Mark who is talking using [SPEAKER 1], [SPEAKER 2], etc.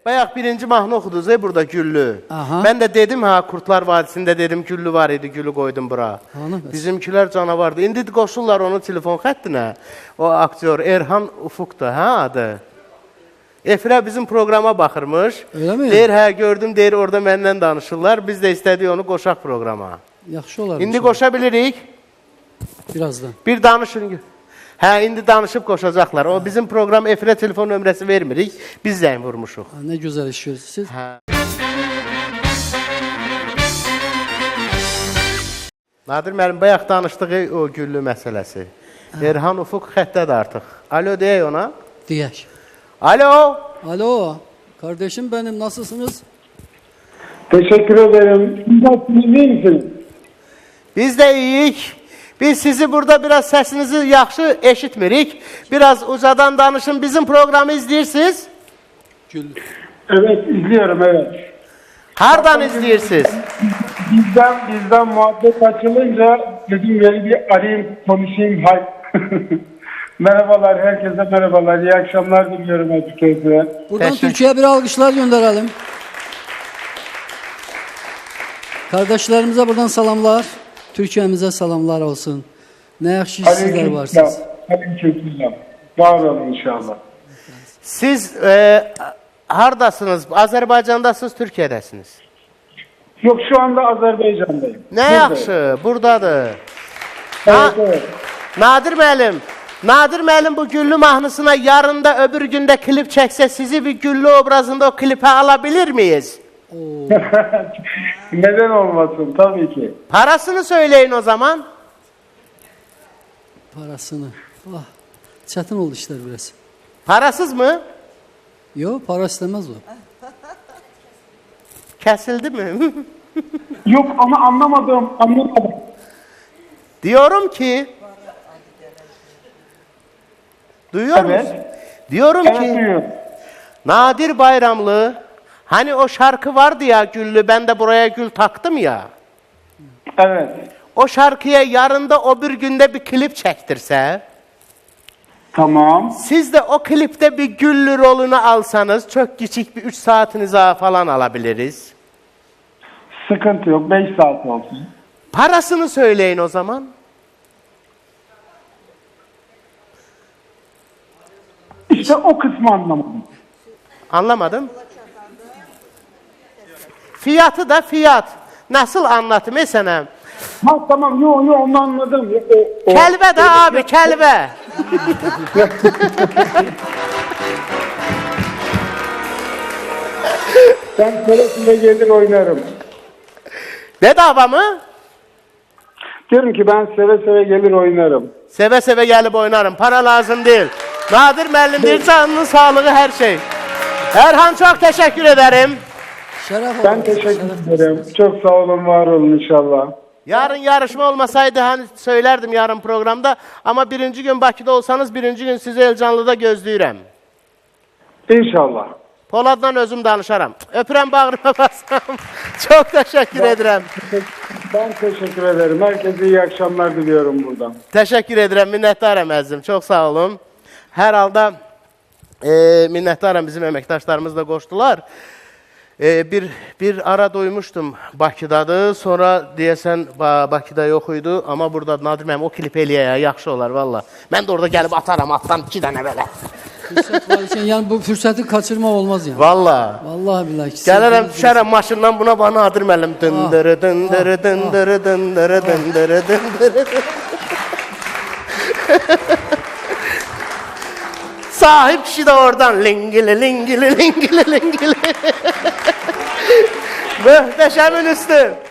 [SPEAKER 1] Bayaq birinci mahnı oxudunuz burada Güllü.
[SPEAKER 2] Aha.
[SPEAKER 1] Ben de dedim ha Kurtlar Vadisi'nde dedim Güllü var idi, Güllü koydum bura. Bizimkiler canavardı. İndi qoşurlar onun telefon xəttinə. O aktyor Erhan Ufuk'da ha adı. Efra bizim programa baxırmış.
[SPEAKER 2] Öyle mi?
[SPEAKER 1] Deyir hə gördüm, deyir orada məndən danışırlar. Biz də istədik onu qoşaq programa.
[SPEAKER 2] Yaxşı olar.
[SPEAKER 1] İndi qoşa bilirik.
[SPEAKER 2] Birazdan.
[SPEAKER 1] Bir danışın. Hə, indi danışıb qoşacaqlar. O bizim program efirə telefon nömrəsi vermirik. Biz zəng vurmuşuq.
[SPEAKER 2] Ne güzel iş görürsünüz.
[SPEAKER 1] Hə. Nadir müəllim, bayaq danışdığı o Güllü məsələsi. Erhan Ufuk xəttədir artıq. Alo deyək ona.
[SPEAKER 2] Diyək.
[SPEAKER 1] Alo.
[SPEAKER 2] Alo. Kardeşim benim, nasılsınız?
[SPEAKER 3] Teşekkür ederim. Nasılsınız, iyi misiniz?
[SPEAKER 1] Biz də iyiyik. Biz sizi burada biraz səsinizi yaxşı eşitmirik. Biraz ucadan danışın. Bizim programı izləyirsiniz.
[SPEAKER 2] Gül.
[SPEAKER 3] Evet, izliyorum, evet.
[SPEAKER 1] Hardan izləyirsiniz?
[SPEAKER 3] Bizden muhabbet açılınca dedim yeni bir arayayım, konuşayım. Hay. Merhabalar, herkese merhabalar. İyi akşamlar diliyorum herkese.
[SPEAKER 2] Buradan Türkiye'ye bir alkışlar gönderelim. Kardeşlerimize buradan selamlar. Türkiye'mize selamlar olsun. Ne yakşı sizler varsınız.
[SPEAKER 3] Aleykümselam. Var olun inşallah.
[SPEAKER 1] Siz hardasınız? Azərbaycandasınız, Türkiyədəsiniz?
[SPEAKER 3] Yok, şu anda Azerbaycan'dayım.
[SPEAKER 1] Ne yaxşı, buradadır.
[SPEAKER 3] Evet, evet.
[SPEAKER 1] Nadir müəllim bu Güllü mahnısına yarın da öbür günde klip çəksə sizi bir Güllü obrazında o klipe alabilir miyiz?
[SPEAKER 3] Neden olmasın, tabii ki.
[SPEAKER 1] Parasını söyleyin o zaman.
[SPEAKER 2] Parasını. Ah, çetin oldu işler biraz.
[SPEAKER 1] Parasız mı?
[SPEAKER 2] Yok, para istemez o.
[SPEAKER 1] Kesildi mi?
[SPEAKER 3] Yok ama anlamadım.
[SPEAKER 1] Diyorum ki... Duyuyor
[SPEAKER 3] Evet.
[SPEAKER 1] musun? Diyorum
[SPEAKER 3] Evet,
[SPEAKER 1] ki...
[SPEAKER 3] duyuyorum.
[SPEAKER 1] Nadir Bayramlı, hani o şarkı vardı ya Güllü, ben de buraya gül taktım ya.
[SPEAKER 3] Evet.
[SPEAKER 1] O şarkıya yarın da o bir günde bir klip çektirse,
[SPEAKER 3] Tamam.
[SPEAKER 1] siz de o klipte bir Güllü rolunu alsanız, çok küçük bir 3 saatinize falan alabiliriz.
[SPEAKER 3] Sıkıntı yok. 5 saat olsun.
[SPEAKER 1] Parasını söyleyin o zaman.
[SPEAKER 3] İşte o kısmı anlamadım.
[SPEAKER 1] Anlamadım. Fiyatı da fiyat. Nasıl anlatayım sana?
[SPEAKER 3] Ha tamam, yo onu anladım.
[SPEAKER 1] Kelbe de abi, kelbe.
[SPEAKER 3] Ben seve gelir oynarım.
[SPEAKER 1] Bedava mı?
[SPEAKER 3] Diyorum ki ben seve gelir oynarım.
[SPEAKER 1] Seve seve gelip oynarım. Para lazım değil. Nadir müəllim deyir, canının sağlığı her şey. Erhan, çok teşekkür ederim.
[SPEAKER 2] Şeref olsun.
[SPEAKER 3] Ben teşekkür ederim. Çok sağ olun, var olun inşallah.
[SPEAKER 1] Yarın yarışma olmasaydı hani söylerdim yarın programda. Ama birinci gün Bakıda olsanız birinci gün sizi Elcanlı'da gözləyirəm.
[SPEAKER 3] İnşallah.
[SPEAKER 1] Polad'dan özüm danışaram. Öpürəm, bağrıma basam. Çok teşekkür ederim.
[SPEAKER 3] Ben teşekkür ederim. Herkese iyi akşamlar diliyorum buradan.
[SPEAKER 1] Teşekkür ederim, minnətdarım əzizim. Çok sağ olun. Hər halda minnətdarım, bizim əməkdaşlarımız da qoşdular. Bir ara duymuştum Bakıdadır. Sonra deyəsən Bakıda yox idi. Amma burada Nadir müəllim o klip eləyək, yaxşı olar valla. Mən də orada gəlib atarım, atdan 2 dənə belə.
[SPEAKER 2] Fürsət var için, yani bu fürsəti kaçırma olmaz yani.
[SPEAKER 1] Valla.
[SPEAKER 2] Vallahi billahi.
[SPEAKER 1] Gəlirəm, düşərəm maşından buna bana Nadir müəllim. Dındırı dındırı dındırı dındırı dındırı dındırı. Sahip kişi de oradan lingili lingili lingili lingili. Möhtəşəmin üstü.